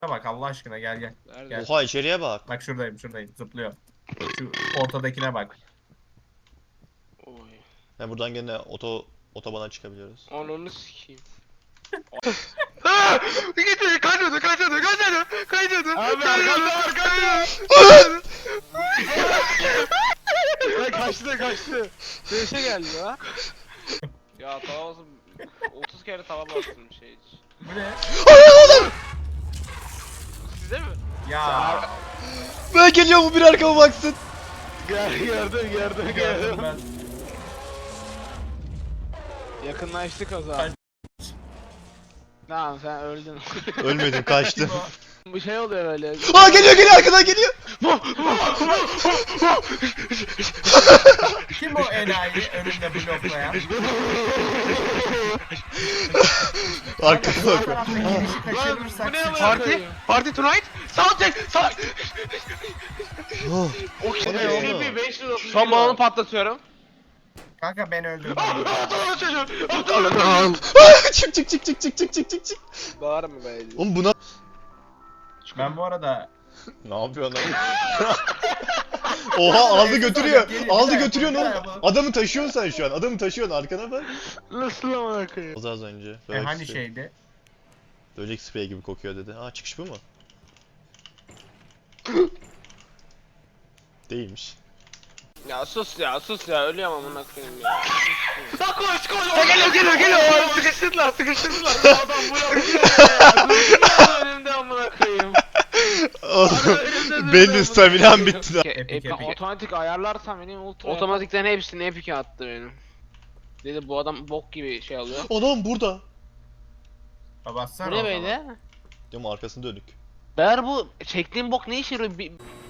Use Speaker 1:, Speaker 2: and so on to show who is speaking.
Speaker 1: Bak Allah aşkına gel gel.
Speaker 2: Nerede?
Speaker 1: Gel.
Speaker 3: Oha içeriye bak.
Speaker 1: Bak şuradayım zıplıyor. Şu ortadakine bak.
Speaker 2: Oy.
Speaker 3: Yani buradan gene otobana çıkabiliyoruz.
Speaker 2: Ananı sikeyim. Gitti kaçadı. Abi arkanda. Kaçtı. Dönüşe geldi ya. Ya tava basın. 30 kere tava bastım şey hiç.
Speaker 1: Bu ne?
Speaker 2: Size mi?
Speaker 1: Ya.
Speaker 3: Ben geliyor bu bir arkama baksın.
Speaker 1: Gördüm ben.
Speaker 2: Yakınlaştık o zaman.
Speaker 1: Kaç-
Speaker 2: Tamam sen öldün.
Speaker 3: Ölmedim kaçtım.
Speaker 2: Bu şey oluyor böyle.
Speaker 3: Aa geliyor arkadan geliyor.
Speaker 1: Kim o enayi önümde bloklayan?
Speaker 3: Arkama
Speaker 1: Sağ
Speaker 3: bak.
Speaker 1: tarafta girişi kaçırırsak
Speaker 2: Bu ne
Speaker 1: sıçarız.
Speaker 2: Party tonight? Soundcheck!
Speaker 3: Oh.
Speaker 2: O kim?
Speaker 3: Ne oğlum?
Speaker 2: Şu an balonu patlatıyorum.
Speaker 1: Kanka ben öldüm.
Speaker 3: Çık.
Speaker 2: Bağırma be.
Speaker 3: Oğlum buna...
Speaker 1: Ben bu arada
Speaker 3: Ne yapıyorsun lan? Oha aldı götürüyor.
Speaker 1: Gelin,
Speaker 3: Aldı
Speaker 1: bir daha
Speaker 3: götürüyorsun
Speaker 1: yapalım,
Speaker 3: oğlum.
Speaker 1: bir daha yapalım.
Speaker 3: Adamı taşıyorsun sen şu an. Adamı taşıyorsun arkana bak.
Speaker 2: Nasıl amına koyayım?
Speaker 3: Az önce.
Speaker 1: hani şeydi?
Speaker 3: Böcek sprey gibi kokuyor dedi. Aa çıkış bu mu? Değilmiş.
Speaker 2: Ya sus ya ölüyorum amına koyayım ya. Lan koş. Geliyor. Sıkıştırdılar. Adam bu ya. Önümde amına koyayım.
Speaker 3: Benim staminam bitti lan.
Speaker 1: Epic.
Speaker 2: Otomatik ayarlarsam benim ultra. Otomatikten hepsini epic'e attı benim. Dedi bu adam bok gibi şey alıyor.
Speaker 3: Adam burada.
Speaker 1: Bassana
Speaker 2: Bu ne
Speaker 1: o zaman.
Speaker 2: böyle?
Speaker 3: Diyorum arkasını dönük.
Speaker 2: Ber bu çektiğim bok ne işe yarıyor?